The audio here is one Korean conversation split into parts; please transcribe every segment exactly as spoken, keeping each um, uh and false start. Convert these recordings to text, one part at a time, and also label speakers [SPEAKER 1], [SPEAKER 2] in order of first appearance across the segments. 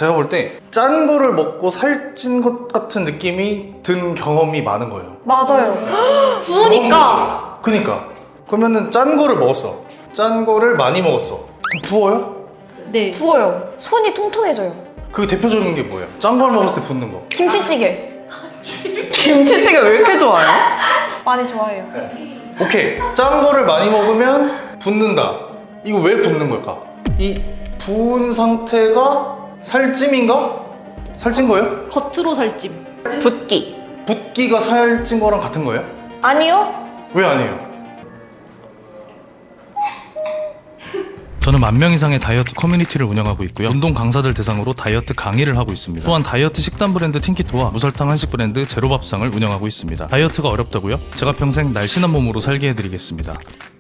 [SPEAKER 1] 제가 볼 때 짠 거를 먹고 살찐 것 같은 느낌이 든 경험이 많은 거예요.
[SPEAKER 2] 맞아요.
[SPEAKER 3] 부으니까.
[SPEAKER 1] 그니까 그러면은 짠 거를 먹었어. 짠 거를 많이 먹었어. 그럼 부어요?
[SPEAKER 3] 네.
[SPEAKER 2] 부어요. 손이 통통해져요.
[SPEAKER 1] 그 대표적인 게 뭐예요? 짠 걸 먹었을 때 붓는 거.
[SPEAKER 2] 김치찌개.
[SPEAKER 3] 김치찌개 왜 이렇게 좋아해요?
[SPEAKER 2] 많이 좋아해요.
[SPEAKER 1] 오케이, 짠 거를 많이 먹으면 붓는다. 이거 왜 붓는 걸까? 이 부은 상태가 살찜인가? 살찐 거예요?
[SPEAKER 3] 겉으로 살찜. 붓기.
[SPEAKER 1] 붓기가 살찐 거랑 같은 거예요?
[SPEAKER 2] 아니요.
[SPEAKER 1] 왜 아니에요? 저는 만 명 이상의 다이어트 커뮤니티를 운영하고 있고요. 운동 강사들 대상으로 다이어트 강의를 하고 있습니다. 또한 다이어트 식단 브랜드 틴키토와 무설탕 한식 브랜드 제로밥상을 운영하고 있습니다. 다이어트가 어렵다고요? 제가 평생 날씬한 몸으로 살게 해드리겠습니다.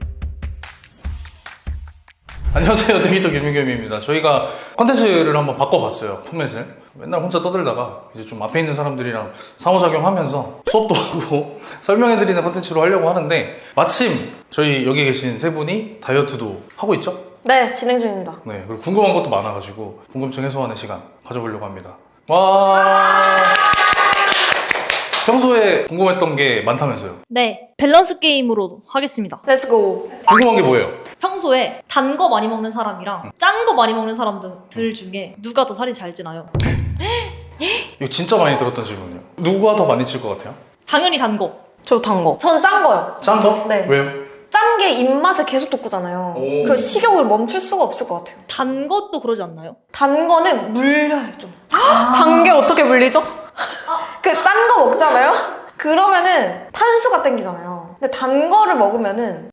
[SPEAKER 1] 안녕하세요, 데이터 김민겸입니다. 저희가 컨텐츠를 한번 바꿔봤어요. 포맷을. 맨날 혼자 떠들다가 이제 좀 앞에 있는 사람들이랑 상호작용하면서 수업도 하고 설명해드리는 컨텐츠로 하려고 하는데, 마침 저희 여기 계신 세 분이 다이어트도 하고 있죠?
[SPEAKER 2] 네, 진행 중입니다.
[SPEAKER 1] 네, 그리고 궁금한 것도 많아가지고 궁금증 해소하는 시간 가져보려고 합니다. 와, 평소에 궁금했던 게 많다면서요?
[SPEAKER 3] 네. 밸런스 게임으로 하겠습니다.
[SPEAKER 2] 렛츠고.
[SPEAKER 1] 궁금한 게 뭐예요?
[SPEAKER 3] 평소에 단 거 많이 먹는 사람이랑 짠 거 많이 먹는 사람들 중에 누가 더 살이 잘 찌나요?
[SPEAKER 1] 이거 진짜 많이 들었던 질문이에요. 누가 더 많이 찔 것 같아요?
[SPEAKER 3] 당연히 단 거.
[SPEAKER 2] 저 단 거. 전 짠 거요.
[SPEAKER 1] 짠 거?
[SPEAKER 2] 네.
[SPEAKER 1] 왜요?
[SPEAKER 2] 짠 게 입맛을 계속 돋구잖아요.
[SPEAKER 1] 오.
[SPEAKER 2] 그래서 식욕을 멈출 수가 없을 것 같아요.
[SPEAKER 3] 단 것도 그러지 않나요?
[SPEAKER 2] 단 거는 물려요, 좀.
[SPEAKER 3] 단 게 어떻게 물리죠?
[SPEAKER 2] 그 짠 거 먹잖아요? 그러면은 탄수가 땡기잖아요. 근데 단 거를 먹으면은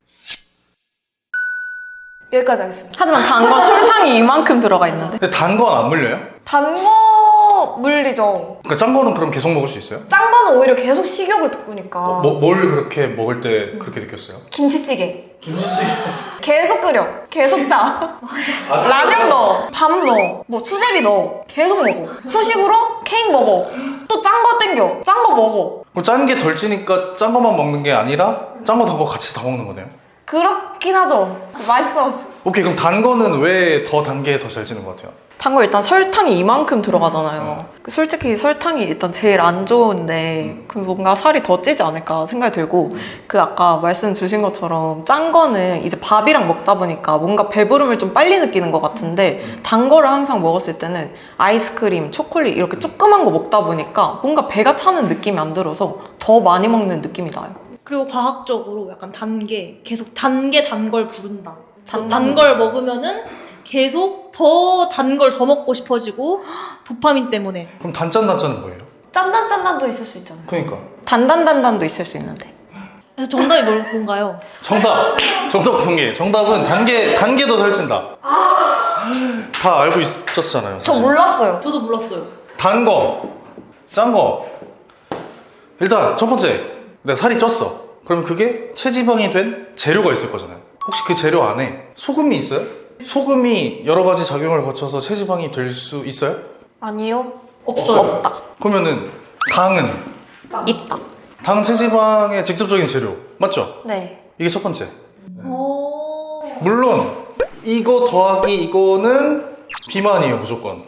[SPEAKER 2] 여기까지 하겠습니다.
[SPEAKER 4] 하지만 단 건 설탕이 이만큼 들어가 있는데.
[SPEAKER 1] 근데 단 건 안 물려요?
[SPEAKER 2] 단 거 물리죠.
[SPEAKER 1] 그러니까 짠 거는 그럼 계속 먹을 수 있어요?
[SPEAKER 2] 짠 거는 오히려 계속 식욕을 돋구니까.
[SPEAKER 1] 어, 뭐, 뭘 그렇게 먹을 때 그렇게 느꼈어요?
[SPEAKER 2] 김치찌개. 김치찌개. 계속 끓여. 계속 짜. 라면 넣어. 밥 넣어. 뭐 수제비 넣어. 계속 먹어. 후식으로 케이크 먹어. 또 짠 거 땡겨. 짠 거 먹어.
[SPEAKER 1] 그럼 짠 게 덜 찌니까 짠 거만 먹는 게 아니라 짠 거 단 거 같이 다 먹는 거네요?
[SPEAKER 2] 그렇긴 하죠. 맛있어가지고.
[SPEAKER 1] 오케이, 그럼 단 거는 왜 더 단 게 더 잘 찌는 것 같아요?
[SPEAKER 4] 단 거 일단 설탕이 이만큼 들어가잖아요. 솔직히 설탕이 일단 제일 안 좋은데 그 뭔가 살이 더 찌지 않을까 생각이 들고, 그 아까 말씀 주신 것처럼 짠 거는 이제 밥이랑 먹다 보니까 뭔가 배부름을 좀 빨리 느끼는 것 같은데, 단 거를 항상 먹었을 때는 아이스크림, 초콜릿 이렇게 조그만 거 먹다 보니까 뭔가 배가 차는 느낌이 안 들어서 더 많이 먹는 느낌이 나요.
[SPEAKER 3] 그리고 과학적으로 약간 단 게 계속 단 게 단 걸 부른다.
[SPEAKER 4] 단-
[SPEAKER 3] 단 걸 먹으면은 계속 더 단 걸 더 먹고 싶어지고, 도파민 때문에.
[SPEAKER 1] 그럼 단짠 단짠은 뭐예요?
[SPEAKER 2] 짠단짠단도 있을 수 있잖아요.
[SPEAKER 1] 그러니까
[SPEAKER 4] 단단단단도 있을 수 있는데.
[SPEAKER 3] 그래서 정답이 뭘- 뭔가요?
[SPEAKER 1] 정답! 정답 공개. 정답은 단계, 단계 더 살찐다. 다 알고 있었잖아요,
[SPEAKER 2] 저
[SPEAKER 1] 사실.
[SPEAKER 2] 몰랐어요.
[SPEAKER 3] 저도 몰랐어요.
[SPEAKER 1] 단 거, 짠 거. 일단 첫 번째, 내가 살이 쪘어. 그러면 그게 체지방이 된 재료가 있을 거잖아요. 혹시 그 재료 안에 소금이 있어요? 소금이 여러 가지 작용을 거쳐서 체지방이 될 수 있어요?
[SPEAKER 2] 아니요.
[SPEAKER 3] 없어요.
[SPEAKER 4] 없다.
[SPEAKER 1] 그러면은 당은?
[SPEAKER 4] 있다.
[SPEAKER 1] 당 체지방의 직접적인 재료 맞죠?
[SPEAKER 2] 네.
[SPEAKER 1] 이게 첫 번째.
[SPEAKER 3] 오.
[SPEAKER 1] 물론 이거 더하기 이거는 비만이에요, 무조건.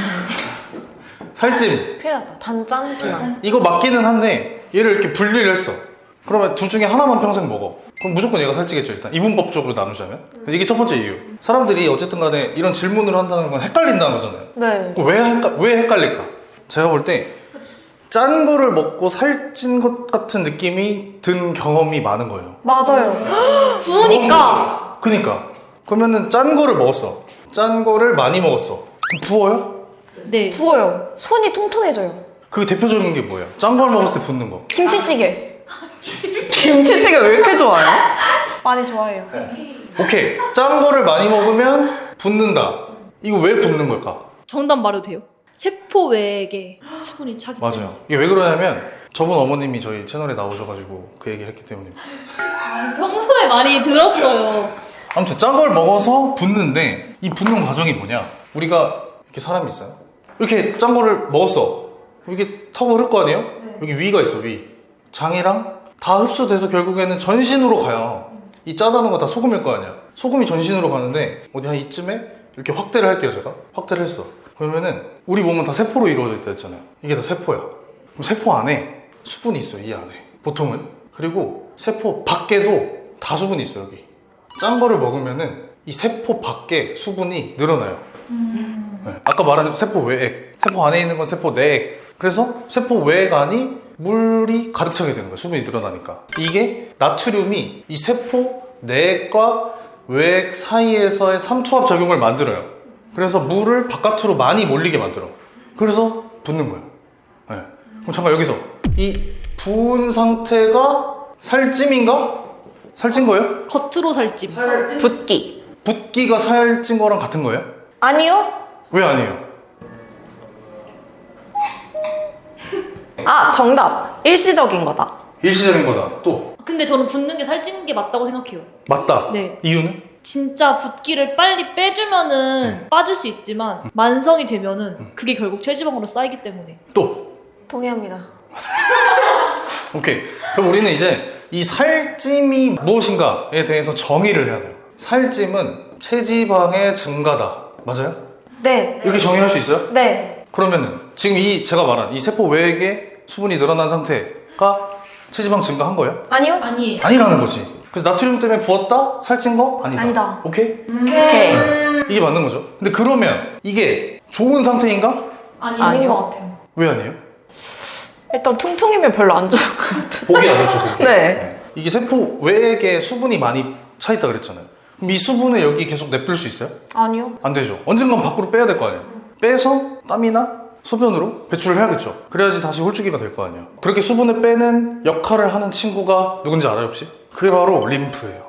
[SPEAKER 1] 살찜
[SPEAKER 2] 큰일 났다. 단짠 비만.
[SPEAKER 1] 이거 맞기는 한데 얘를 이렇게 분리를 했어. 그러면 둘 중에 하나만 평생 먹어. 그럼 무조건 얘가 살찌겠죠, 일단. 이분법적으로 나누자면. 그래서 이게 첫 번째 이유. 사람들이 어쨌든 간에 이런 질문을 한다는 건 헷갈린다는 거잖아요.
[SPEAKER 2] 네.
[SPEAKER 1] 왜, 헷갈, 왜 헷갈릴까? 제가 볼 때 짠 거를 먹고 살찐 것 같은 느낌이 든 경험이 많은 거예요.
[SPEAKER 2] 맞아요.
[SPEAKER 3] 부으니까.
[SPEAKER 1] 그니까 그러면은 짠 거를 먹었어. 짠 거를 많이 먹었어. 그럼 부어요?
[SPEAKER 3] 네.
[SPEAKER 2] 부어요. 손이 통통해져요.
[SPEAKER 1] 그 대표적인 게 뭐예요? 짠 걸 먹었을 때 붓는 거.
[SPEAKER 2] 김치찌개.
[SPEAKER 4] 김치찌개 왜 이렇게 좋아해요?
[SPEAKER 2] 많이 좋아해요.
[SPEAKER 1] 오케이, 짠 거를 많이 먹으면 붓는다. 이거 왜 붓는 걸까?
[SPEAKER 3] 정답 말해도 돼요? 세포 외에 수분이 차기 때문에.
[SPEAKER 1] 맞아요. 이게 왜 그러냐면 저분 어머님이 저희 채널에 나오셔가지고 그 얘기를 했기 때문입니다.
[SPEAKER 3] 평소에 많이 들었어요.
[SPEAKER 1] 아무튼 짠 걸 먹어서 붓는데, 이 붓는 과정이 뭐냐? 우리가 이렇게 사람이 있어요. 이렇게 짠 거를 먹었어. 이게 턱을 흐를 거 아니에요? 여기 위가 있어, 위. 장이랑 다 흡수돼서 결국에는 전신으로 가요. 이 짜다는 거 다 소금일 거 아니야. 소금이 전신으로 가는데 어디 한 이쯤에 이렇게 확대를 할게요, 제가. 확대를 했어. 그러면은 우리 몸은 다 세포로 이루어져 있다 했잖아요. 이게 다 세포야. 그럼 세포 안에 수분이 있어요. 이 안에 보통은. 그리고 세포 밖에도 다 수분이 있어요. 여기 짠 거를 먹으면은 이 세포 밖에 수분이 늘어나요. 음. 네. 아까 말한 세포 외액, 세포 안에 있는 건 세포 내액. 그래서 세포 외액 안이 물이 가득 차게 되는 거예요. 수분이 늘어나니까. 이게 나트륨이 이 세포 내액과 외액 사이에서의 삼투압 작용을 만들어요. 그래서 물을 바깥으로 많이 몰리게 만들어. 그래서 붓는 거예요. 네. 그럼 잠깐 여기서 이 부은 상태가 살찜인가? 살찐 거예요?
[SPEAKER 3] 겉으로 살찜.
[SPEAKER 4] 붓기.
[SPEAKER 1] 붓기가 살찐 거랑 같은 거예요?
[SPEAKER 2] 아니요.
[SPEAKER 1] 왜 아니에요?
[SPEAKER 4] 아, 정답. 일시적인 거다.
[SPEAKER 1] 일시적인 거다. 또
[SPEAKER 3] 근데 저는 붓는 게 살찐 게 맞다고 생각해요.
[SPEAKER 1] 맞다.
[SPEAKER 3] 네.
[SPEAKER 1] 이유는?
[SPEAKER 3] 진짜 붓기를 빨리 빼주면은 빠질 수 있지만 만성이 되면은 그게 결국 체지방으로 쌓이기 때문에.
[SPEAKER 1] 또
[SPEAKER 2] 동의합니다.
[SPEAKER 1] 오케이. 그럼 우리는 이제 이 살찜이 무엇인가에 대해서 정의를 해야 돼요. 살찜은 체지방의 증가다. 맞아요?
[SPEAKER 2] 네.
[SPEAKER 1] 이렇게 정의할 수 있어요?
[SPEAKER 2] 네.
[SPEAKER 1] 그러면은 지금 이 제가 말한 이 세포 외액에 수분이 늘어난 상태가 체지방 증가한 거예요?
[SPEAKER 2] 아니요.
[SPEAKER 3] 아니.
[SPEAKER 1] 아니라는 거지. 그래서 나트륨 때문에 부었다? 살찐 거? 아니다.
[SPEAKER 2] 아니다.
[SPEAKER 1] 오케이?
[SPEAKER 2] 오케이.
[SPEAKER 1] 네. 이게 맞는 거죠. 근데 그러면 이게 좋은 상태인가?
[SPEAKER 3] 아니.
[SPEAKER 2] 아닌
[SPEAKER 4] 아니요.
[SPEAKER 2] 것 같아요.
[SPEAKER 1] 왜 아니에요?
[SPEAKER 4] 일단 퉁퉁이면 별로 안 좋을 것 같아.
[SPEAKER 1] 보기 안 좋죠, 보기.
[SPEAKER 4] 네.
[SPEAKER 1] 이게 세포 외액에 수분이 많이 차 있다 그랬잖아요. 그럼 이 수분을 여기 계속 냅둘 수 있어요?
[SPEAKER 2] 아니요.
[SPEAKER 1] 안 되죠. 언젠간 밖으로 빼야 될 거 아니에요. 빼서 땀이나 소변으로 배출을 해야겠죠. 그래야지 다시 홀쭉이가 될 거 아니에요. 그렇게 수분을 빼는 역할을 하는 친구가 누군지 알아요, 혹시? 그게 바로 림프예요.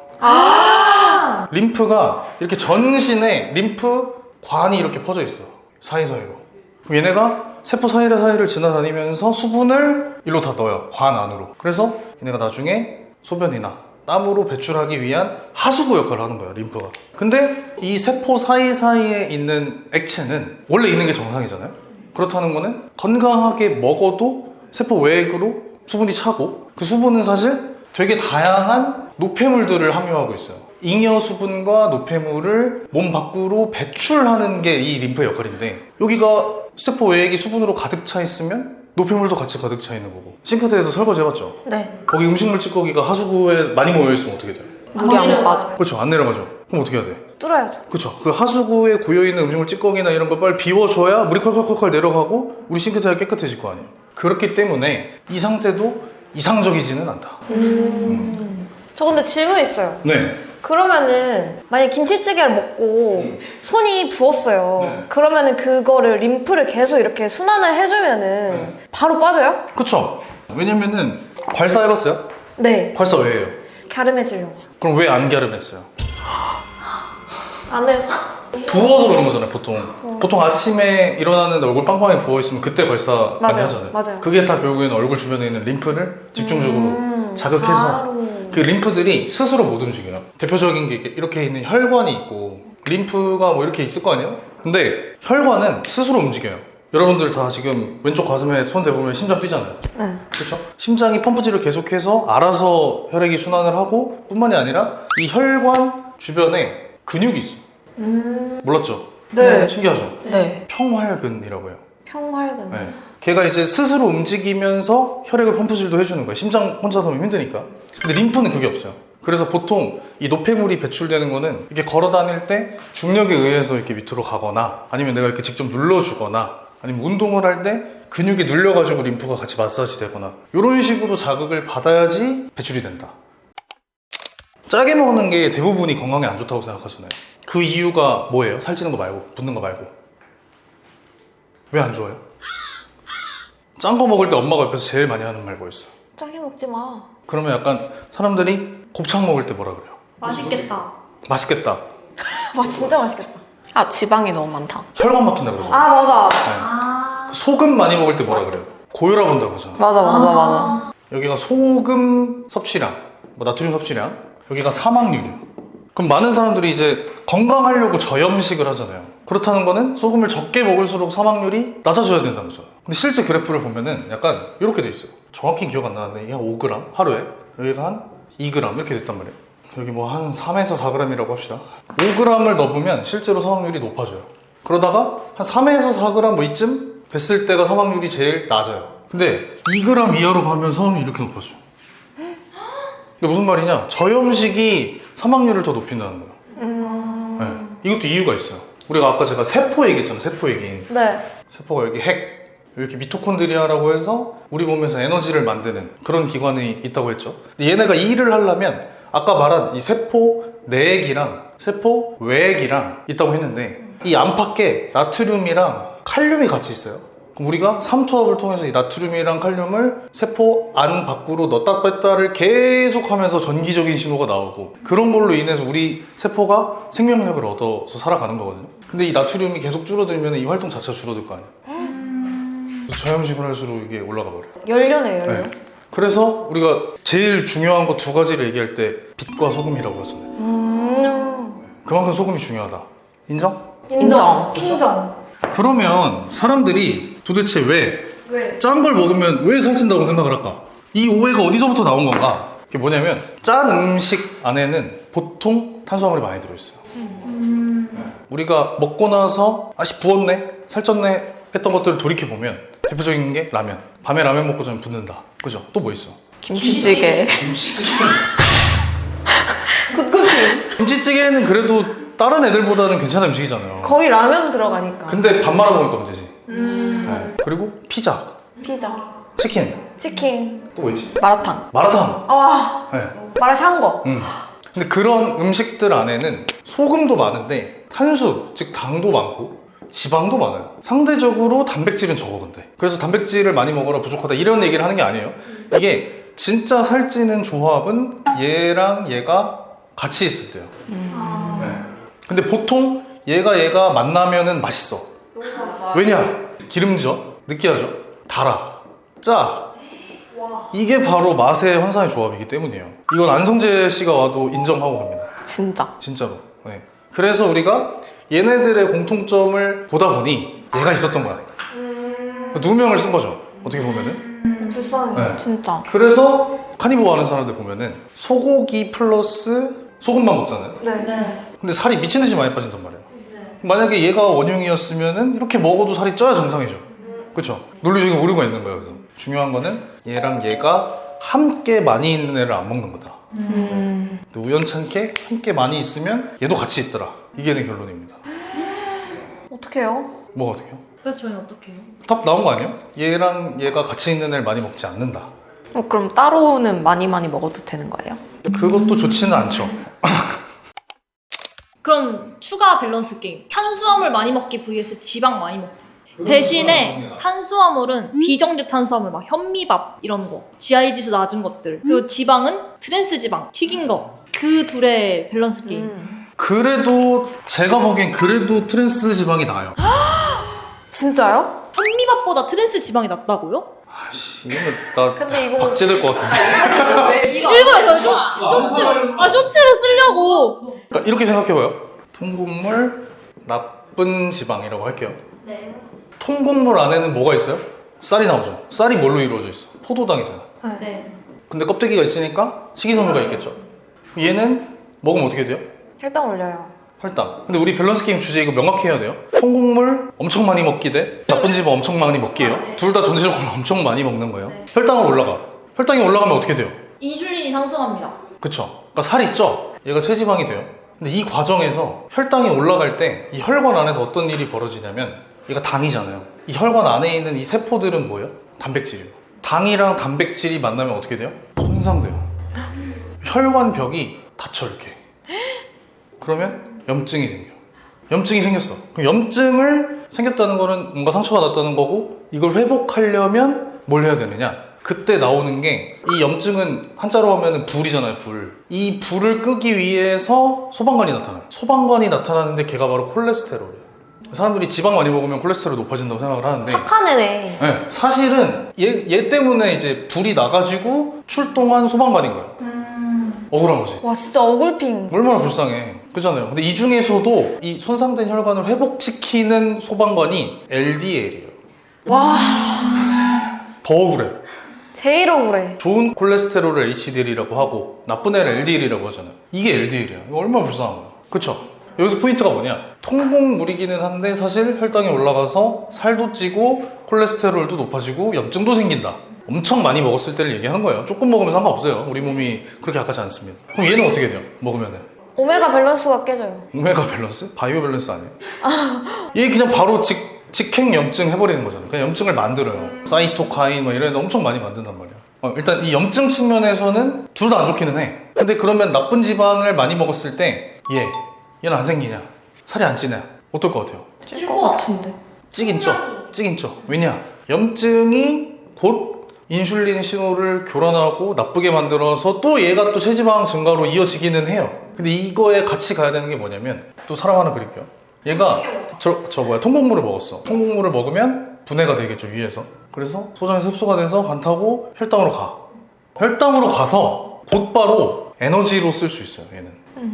[SPEAKER 2] 아.
[SPEAKER 1] 림프가 이렇게 전신에 림프 관이 이렇게 퍼져 있어요. 사이사이로. 그럼 얘네가 세포 사이를 사이를 지나다니면서 수분을 일로 다 넣어요. 관 안으로. 그래서 얘네가 나중에 소변이나 땀으로 배출하기 위한 하수구 역할을 하는 거예요, 림프가. 근데 이 세포 사이사이에 있는 액체는 원래 있는 게 정상이잖아요. 그렇다는 거는 건강하게 먹어도 세포 외액으로 수분이 차고, 그 수분은 사실 되게 다양한 노폐물들을 함유하고 있어요. 잉여 수분과 노폐물을 몸 밖으로 배출하는 게 이 림프의 역할인데, 여기가 세포 외액이 수분으로 가득 차 있으면 노폐물도 같이 가득 차 있는 거고. 싱크대에서 설거지 해봤죠?
[SPEAKER 2] 네.
[SPEAKER 1] 거기 음식물 찌꺼기가 하수구에 많이 모여있으면 어떻게 돼요?
[SPEAKER 4] 물이 안 빠져.
[SPEAKER 1] 그렇죠, 안 내려가죠. 그럼 어떻게 해야 돼?
[SPEAKER 2] 뚫어야죠.
[SPEAKER 1] 그렇죠. 그 하수구에 고여있는 음식물 찌꺼기나 이런 걸 빨리 비워줘야 물이 콸콸콸콸 내려가고 우리 싱크대가 깨끗해질 거 아니에요. 그렇기 때문에 이 상태도 이상적이지는 않다.
[SPEAKER 2] 음. 저 근데 질문 있어요.
[SPEAKER 1] 네.
[SPEAKER 2] 그러면은 만약 김치찌개를 먹고 손이 부었어요.
[SPEAKER 1] 네.
[SPEAKER 2] 그러면은 그거를 림프를 계속 이렇게 순환을 해주면은
[SPEAKER 1] 네.
[SPEAKER 2] 바로 빠져요?
[SPEAKER 1] 그쵸. 왜냐면은 괄사 해봤어요?
[SPEAKER 2] 네.
[SPEAKER 1] 괄사 왜 해요?
[SPEAKER 2] 갸름해지려고.
[SPEAKER 1] 그럼 왜 안 갸름했어요?
[SPEAKER 2] 안 해서.
[SPEAKER 1] 부어서 그런 거잖아요, 보통. 보통 아침에 일어나는데 얼굴 빵빵하게 부어있으면 그때 괄사 많이
[SPEAKER 2] 맞아요.
[SPEAKER 1] 하잖아요.
[SPEAKER 2] 맞아요.
[SPEAKER 1] 그게 다 결국에는 얼굴 주변에 있는 림프를 집중적으로
[SPEAKER 2] 음,
[SPEAKER 1] 자극해서
[SPEAKER 2] 바로.
[SPEAKER 1] 그 림프들이 스스로 못 움직여요. 대표적인 게 이렇게 있는 혈관이 있고 림프가 뭐 이렇게 있을 거 아니에요? 근데 혈관은 스스로 움직여요. 여러분들 다 지금 왼쪽 가슴에 손 대보면 심장 뛰잖아요.
[SPEAKER 2] 네.
[SPEAKER 1] 그렇죠? 심장이 펌프질을 계속해서 알아서 혈액이 순환을 하고, 뿐만이 아니라 이 혈관 주변에 근육이 있어.
[SPEAKER 2] 음.
[SPEAKER 1] 몰랐죠?
[SPEAKER 2] 네.
[SPEAKER 1] 신기하죠?
[SPEAKER 4] 네.
[SPEAKER 1] 평활근이라고 해요.
[SPEAKER 2] 평활근.
[SPEAKER 1] 네. 걔가 이제 스스로 움직이면서 혈액을 펌프질도 해주는 거예요. 심장 혼자서 하면 힘드니까. 근데 림프는 그게 없어요. 그래서 보통 이 노폐물이 배출되는 거는 이렇게 걸어 다닐 때 중력에 의해서 이렇게 밑으로 가거나, 아니면 내가 이렇게 직접 눌러주거나, 아니면 운동을 할 때 근육이 눌려가지고 림프가 같이 마사지 되거나, 이런 식으로 자극을 받아야지 배출이 된다. 짜게 먹는 게 대부분이 건강에 안 좋다고 생각하잖아요. 그 이유가 뭐예요? 살찌는 거 말고, 붓는 거 말고. 왜 안 좋아요? 짠 거 먹을 때 엄마가 옆에서 제일 많이 하는 말 뭐였어요?
[SPEAKER 2] 짜게 먹지 마.
[SPEAKER 1] 그러면 약간 사람들이 곱창 먹을 때 뭐라 그래요?
[SPEAKER 3] 맛있겠다.
[SPEAKER 1] 맛있겠다.
[SPEAKER 2] 와 진짜 맛있겠다.
[SPEAKER 4] 아, 지방이 너무 많다.
[SPEAKER 1] 혈관 막힌다 그러죠.
[SPEAKER 2] 아 맞아.
[SPEAKER 1] 네. 소금 많이 먹을 때 뭐라 그래요? 고혈압 온다 그러잖아.
[SPEAKER 4] 맞아, 맞아, 맞아.
[SPEAKER 1] 여기가 소금 섭취량, 뭐 나트륨 섭취량, 여기가 사망률이요. 그럼 많은 사람들이 이제 건강하려고 저염식을 하잖아요. 그렇다는 거는 소금을 적게 먹을수록 사망률이 낮아져야 된다는 거죠. 근데 실제 그래프를 보면은 약간 이렇게 돼 있어요. 정확히 기억 안 나는데 이게 한 오 그램 하루에, 여기가 한 이 그램 이렇게 됐단 말이에요. 여기 뭐 한 삼에서 사 그램이라고 합시다. 오 그램을 넣으면 실제로 사망률이 높아져요. 그러다가 한 삼에서 사 그램 뭐 이쯤 뵀을 때가 사망률이 제일 낮아요. 근데 이 그램 이하로 가면 사망률이 이렇게 높아져요. 근데 무슨 말이냐? 저염식이 사망률을 더 높인다는 거예요.
[SPEAKER 2] 음...
[SPEAKER 1] 네. 이것도 이유가 있어요. 우리가 아까 제가 세포 얘기했잖아요. 세포 얘기.
[SPEAKER 2] 네.
[SPEAKER 1] 세포가 여기 핵, 이렇게 미토콘드리아라고 해서 우리 몸에서 에너지를 만드는 그런 기관이 있다고 했죠. 근데 얘네가 이 일을 하려면 아까 말한 이 세포 내액이랑 세포 외액이랑 있다고 했는데 이 안팎에 나트륨이랑 칼륨이 같이 있어요. 그럼 우리가 삼투압을 통해서 이 나트륨이랑 칼륨을 세포 안 밖으로 넣었다 뺐다를 계속 하면서 전기적인 신호가 나오고 그런 걸로 인해서 우리 세포가 생명력을 얻어서 살아가는 거거든요. 근데 이 나트륨이 계속 줄어들면 이 활동 자체가 줄어들 거 아니에요. 그래서 저염식을 할수록 이게 올라가 버려요.
[SPEAKER 2] 연료네, 연료.
[SPEAKER 1] 네. 그래서 우리가 제일 중요한 거 두 가지를 얘기할 때 빛과 소금이라고 하잖아요.
[SPEAKER 2] 음...
[SPEAKER 1] 그만큼 소금이 중요하다. 인정?
[SPEAKER 2] 인정. 킹정.
[SPEAKER 1] 그러면 사람들이 도대체 왜
[SPEAKER 2] 왜?
[SPEAKER 1] 짠 걸 먹으면 왜 살찐다고 생각을 할까? 이 오해가 어디서부터 나온 건가? 그게 뭐냐면 짠 음식 안에는 보통 탄수화물이 많이 들어있어요.
[SPEAKER 2] 음...
[SPEAKER 1] 우리가 먹고 나서 아씨 부었네, 살쪘네 했던 것들을 돌이켜보면 대표적인 게 라면. 밤에 라면 먹고 자면 붓는다. 그죠? 또 뭐 있어?
[SPEAKER 4] 김치찌개.
[SPEAKER 2] 굿굿핑.
[SPEAKER 1] 김치찌개는 그래도 다른 애들보다는 괜찮은 음식이잖아요.
[SPEAKER 2] 거의 라면 들어가니까.
[SPEAKER 1] 근데 밥 말아 먹으니까 문제지.
[SPEAKER 2] 음...
[SPEAKER 1] 네. 그리고 피자,
[SPEAKER 2] 피자.
[SPEAKER 1] 치킨,
[SPEAKER 2] 치킨.
[SPEAKER 1] 또 뭐 있지?
[SPEAKER 4] 마라탕.
[SPEAKER 1] 마라탕.
[SPEAKER 2] 와,
[SPEAKER 1] 네.
[SPEAKER 2] 마라샹궈.
[SPEAKER 1] 음. 근데 그런 음식들 안에는 소금도 많은데 탄수, 즉 당도 많고 지방도 많아요. 상대적으로 단백질은 적어 근데. 그래서 단백질을 많이 먹어라 부족하다 이런 얘기를 하는 게 아니에요. 이게 진짜 살찌는 조합은 얘랑 얘가 같이 있을 때요.
[SPEAKER 2] 음...
[SPEAKER 1] 네. 근데 보통 얘가 얘가 만나면은 맛있어. 왜냐? 기름져, 느끼하죠, 달아, 짜. 이게 바로 맛의 환상의 조합이기 때문이에요. 이건 안성재 씨가 와도 인정하고 갑니다.
[SPEAKER 4] 진짜.
[SPEAKER 1] 진짜로. 네. 그래서 우리가 얘네들의 공통점을 보다 보니 얘가 있었던 거야.
[SPEAKER 2] 음...
[SPEAKER 1] 누명을 쓴 거죠. 어떻게 보면은.
[SPEAKER 2] 음... 불쌍해.
[SPEAKER 1] 네.
[SPEAKER 4] 진짜.
[SPEAKER 1] 그래서 카니보어 하는 사람들 보면은 소고기 플러스 소금만 먹잖아요.
[SPEAKER 2] 네.
[SPEAKER 3] 네.
[SPEAKER 1] 근데 살이 미친 듯이 많이 빠진단 말이에요. 만약에 얘가 원흉이었으면은 이렇게 먹어도 살이 쪄야 정상이죠. 그쵸? 논리적인 오류가 있는 거예요. 그래서 중요한 거는 얘랑 얘가 함께 많이 있는 애를 안 먹는 거다.
[SPEAKER 4] 음.
[SPEAKER 1] 근데 우연찮게 함께 많이 있으면 얘도 같이 있더라. 이게 내 결론입니다.
[SPEAKER 2] 어떡해요?
[SPEAKER 1] 뭐가 어떻게 해요?
[SPEAKER 3] 그래서 저희는 어떻게 해요?
[SPEAKER 1] 답 나온 거 아니에요? 얘랑 얘가 같이 있는 애를 많이 먹지 않는다.
[SPEAKER 4] 어, 그럼 따로는 많이 많이 먹어도 되는 거예요?
[SPEAKER 1] 근데 그것도 좋지는 않죠.
[SPEAKER 3] 그럼 추가 밸런스 게임. 탄수화물 많이 먹기 vs 지방 많이 먹기. 대신에 탄수화물은 비정제 탄수화물 막 현미밥 이런 거, 지아이 지수 낮은 것들. 그리고 지방은 트랜스 지방, 튀긴 거. 그 둘의 밸런스 게임.
[SPEAKER 4] 음.
[SPEAKER 1] 그래도 제가 보기엔 그래도 트랜스 지방이 나아요.
[SPEAKER 2] 진짜요?
[SPEAKER 3] 현미밥보다 트랜스 지방이 낫다고요?
[SPEAKER 1] 아씨, 이거 나
[SPEAKER 2] 근데 이거
[SPEAKER 1] 박제될 것 같은데.
[SPEAKER 3] 일부러 저 쇼- 쇼츠, 아 쇼츠를 쓰려고.
[SPEAKER 1] 그러니까 이렇게 생각해봐요. 통곡물 나쁜 지방이라고 할게요.
[SPEAKER 3] 네.
[SPEAKER 1] 통곡물 안에는 뭐가 있어요? 쌀이 나오죠. 쌀이 뭘로 이루어져 있어? 포도당이잖아.
[SPEAKER 3] 네.
[SPEAKER 1] 근데 껍데기가 있으니까 식이섬유가 있겠죠. 얘는 먹으면 어떻게 돼요?
[SPEAKER 2] 혈당 올려요.
[SPEAKER 1] 혈당. 근데 우리 밸런스 게임 주제 이거 명확히 해야 돼요. 통곡물 엄청 많이 먹기 대 나쁜 지방 엄청 많이 먹기예요. 둘 다 전체적으로 엄청 많이 먹는 거예요.
[SPEAKER 3] 네.
[SPEAKER 1] 혈당은 올라가. 혈당이 올라가면 어떻게 돼요?
[SPEAKER 3] 인슐린이 상승합니다.
[SPEAKER 1] 그쵸? 그러니까 살이 쪄. 얘가 체지방이 돼요. 근데 이 과정에서 혈당이 올라갈 때 이 혈관 안에서 어떤 일이 벌어지냐면 얘가 당이잖아요. 이 혈관 안에 있는 이 세포들은 뭐예요? 단백질이에요. 당이랑 단백질이 만나면 어떻게 돼요? 손상돼요. 혈관 벽이 닫혀 이렇게. 그러면 염증이 생겨. 염증이 생겼어. 그럼 염증을 생겼다는 거는 뭔가 상처가 났다는 거고 이걸 회복하려면 뭘 해야 되느냐? 그때 나오는 게 이 염증은 한자로 하면 불이잖아요. 불. 이 불을 끄기 위해서 소방관이 나타나요. 소방관이 나타나는데 걔가 바로 콜레스테롤이에요. 사람들이 지방 많이 먹으면 콜레스테롤이 높아진다고 생각을 하는데
[SPEAKER 2] 착한 애네.
[SPEAKER 1] 네, 사실은 얘, 얘 때문에 이제 불이 나가지고 출동한 소방관인 거예요.
[SPEAKER 2] 음...
[SPEAKER 1] 억울한 거지.
[SPEAKER 2] 와 진짜 어글핑.
[SPEAKER 1] 얼마나 불쌍해. 그렇잖아요. 근데 이 중에서도 이 손상된 혈관을 회복시키는 소방관이 엘디엘이에요.
[SPEAKER 2] 와
[SPEAKER 1] 더 억울해.
[SPEAKER 2] 제일 억울해.
[SPEAKER 1] 좋은 콜레스테롤을 에이치디엘이라고 하고 나쁜 애를 엘디엘이라고 하잖아요. 이게 엘디엘이야. 이거 얼마나 불쌍한 거야. 그쵸? 여기서 포인트가 뭐냐? 통곡물이기는 한데 사실 혈당이 올라가서 살도 찌고 콜레스테롤도 높아지고 염증도 생긴다. 엄청 많이 먹었을 때를 얘기하는 거예요. 조금 먹으면 상관없어요. 우리 몸이 그렇게 약하지 않습니다. 그럼 얘는 어떻게 돼요? 먹으면은?
[SPEAKER 2] 오메가 밸런스가 깨져요.
[SPEAKER 1] 오메가 밸런스? 바이오 밸런스 아니에요? 얘 그냥 바로 직, 직행 염증 해버리는 거잖아요. 그냥 염증을 만들어요. 사이토카인 뭐 이런 데 엄청 많이 만든단 말이야. 어, 일단 이 염증 측면에서는 둘 다 안 좋기는 해. 근데 그러면 나쁜 지방을 많이 먹었을 때 얘, 얘는 안 생기냐? 살이 안 찌냐? 어떨 것 같아요?
[SPEAKER 4] 찔 것 같은데.
[SPEAKER 1] 찌긴 쪄. 찌긴 쪄. 왜냐? 염증이 곧 인슐린 신호를 교란하고 나쁘게 만들어서 또 얘가 또 체지방 증가로 이어지기는 해요. 근데 이거에 같이 가야 되는 게 뭐냐면 또 사람 하나 그릴게요. 얘가 저, 저 뭐야 통곡물을 먹었어. 통곡물을 먹으면 분해가 되겠죠 위에서. 그래서 소장에서 흡수가 돼서 간 타고 혈당으로 가. 혈당으로 가서 곧바로 에너지로 쓸 수 있어요 얘는.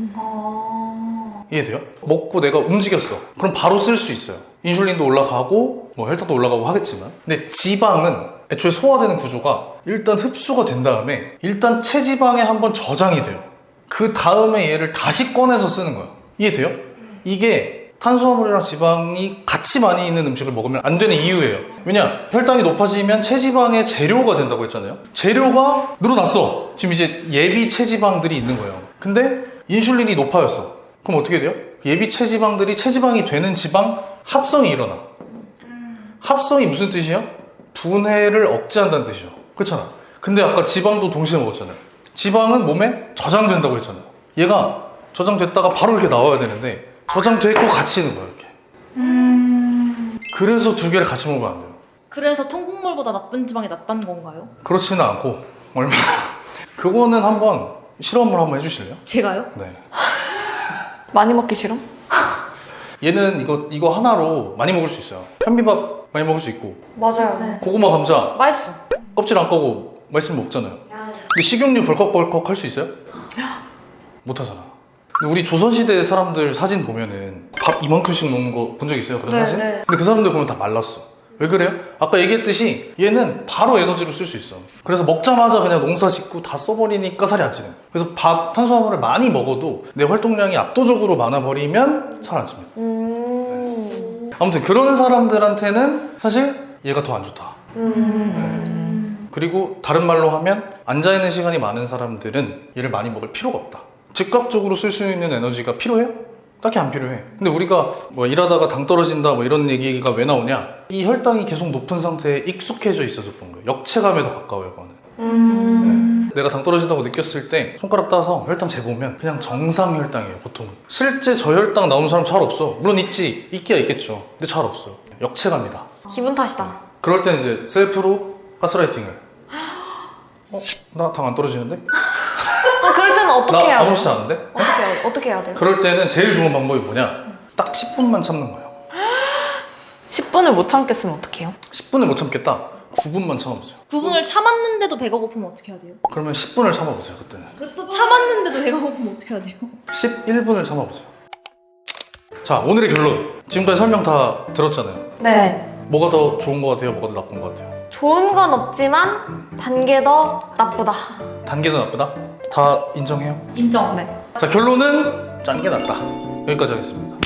[SPEAKER 1] 이해돼요? 먹고 내가 움직였어. 그럼 바로 쓸 수 있어요. 인슐린도 올라가고 뭐 혈당도 올라가고 하겠지만. 근데 지방은 애초에 소화되는 구조가 일단 흡수가 된 다음에 일단 체지방에 한번 저장이 돼요. 그 다음에 얘를 다시 꺼내서 쓰는 거예요. 이해돼요? 이게 탄수화물이랑 지방이 같이 많이 있는 음식을 먹으면 안 되는 이유예요. 왜냐? 혈당이 높아지면 체지방의 재료가 된다고 했잖아요. 재료가 늘어났어. 지금 이제 예비 체지방들이 있는 거예요. 근데 인슐린이 높아졌어. 그럼 어떻게 돼요? 예비 체지방들이 체지방이 되는 지방 합성이 일어나. 합성이 무슨 뜻이에요? 분해를 억제한다는 뜻이죠. 그렇잖아. 근데 아까 지방도 동시에 먹었잖아요. 지방은 몸에 저장된다고 했잖아요. 얘가 저장됐다가 바로 이렇게 나와야 되는데 저장되고 같이 있는 거예요 이렇게.
[SPEAKER 2] 음...
[SPEAKER 1] 그래서 두 개를 같이 먹으면 안 돼요.
[SPEAKER 3] 그래서 통곡물보다 나쁜 지방이 낫다는 건가요?
[SPEAKER 1] 그렇지는 않고 얼마 그거는 한번 실험을 한번 해주실래요?
[SPEAKER 3] 제가요?
[SPEAKER 1] 네.
[SPEAKER 4] 많이 먹기 싫음?
[SPEAKER 1] 얘는 이거 이거 하나로 많이 먹을 수 있어요. 현미밥 많이 먹을 수 있고
[SPEAKER 2] 맞아요.
[SPEAKER 3] 네.
[SPEAKER 1] 고구마 감자
[SPEAKER 2] 맛있어.
[SPEAKER 1] 껍질 안 꺼고 맛있으면 먹잖아요. 근데 식용유 벌컥벌컥 할 수 있어요? 못 하잖아. 근데 우리 조선시대 사람들 사진 보면은 밥 이만큼씩 먹는 거 본 적 있어요? 그런
[SPEAKER 2] 네,
[SPEAKER 1] 사진?
[SPEAKER 2] 네.
[SPEAKER 1] 근데 그 사람들 보면 다 말랐어. 왜 그래요? 아까 얘기했듯이 얘는 바로 에너지로 쓸 수 있어. 그래서 먹자마자 그냥 농사 짓고 다 써버리니까 살이 안 찌는 거예요. 그래서 밥, 탄수화물을 많이 먹어도 내 활동량이 압도적으로 많아버리면 살 안 찝니다.
[SPEAKER 2] 음...
[SPEAKER 1] 아무튼 그런 사람들한테는 사실 얘가 더 안 좋다.
[SPEAKER 2] 음...
[SPEAKER 1] 그리고 다른 말로 하면 앉아있는 시간이 많은 사람들은 얘를 많이 먹을 필요가 없다. 즉각적으로 쓸 수 있는 에너지가 필요해요? 딱히 안 필요해. 근데 우리가 뭐 일하다가 당 떨어진다 뭐 이런 얘기가 왜 나오냐? 이 혈당이 계속 높은 상태에 익숙해져 있어서 그런 거예요. 역체감에 더 가까워요 그거는.
[SPEAKER 2] 음...
[SPEAKER 1] 내가 당 떨어진다고 느꼈을 때 손가락 따서 혈당 재보면 그냥 정상 혈당이에요 보통은. 실제 저혈당 나오는 사람 잘 없어. 물론 있지, 있기야 있겠죠. 근데 잘 없어요. 역체감이다.
[SPEAKER 2] 기분 탓이다.
[SPEAKER 1] 그럴 땐 이제 셀프로 가스라이팅을. 어? 나 당 안 떨어지는데?
[SPEAKER 2] 어, 그럴 때는 어떻게
[SPEAKER 1] 나
[SPEAKER 2] 해야 돼요?
[SPEAKER 1] 아무렇지 않은데?
[SPEAKER 2] 어떻게 해야, 어떻게 해야 돼요?
[SPEAKER 1] 그럴 때는 제일 좋은 방법이 뭐냐? 딱 십 분만 참는 거예요.
[SPEAKER 4] 십 분을 못 참겠으면 어떡해요?
[SPEAKER 1] 십 분을 못 참겠다? 구 분만 참아보세요.
[SPEAKER 3] 구 분을 참았는데도 배가 고프면 어떻게 해야 돼요?
[SPEAKER 1] 그러면 십 분을 참아보세요 그때는.
[SPEAKER 3] 또 참았는데도 배가 고프면 어떻게 해야 돼요?
[SPEAKER 1] 십일 분을 참아보세요. 자, 오늘의 결론. 지금까지 설명 다 들었잖아요.
[SPEAKER 2] 네.
[SPEAKER 1] 뭐가 더 좋은 것 같아요? 뭐가 더 나쁜 것 같아요?
[SPEAKER 2] 좋은 건 없지만 단 게 더 나쁘다.
[SPEAKER 1] 단계도 나쁘다? 다 인정해요?
[SPEAKER 3] 인정.
[SPEAKER 4] 네.
[SPEAKER 1] 자, 결론은 짠 게 낫다. 여기까지 하겠습니다.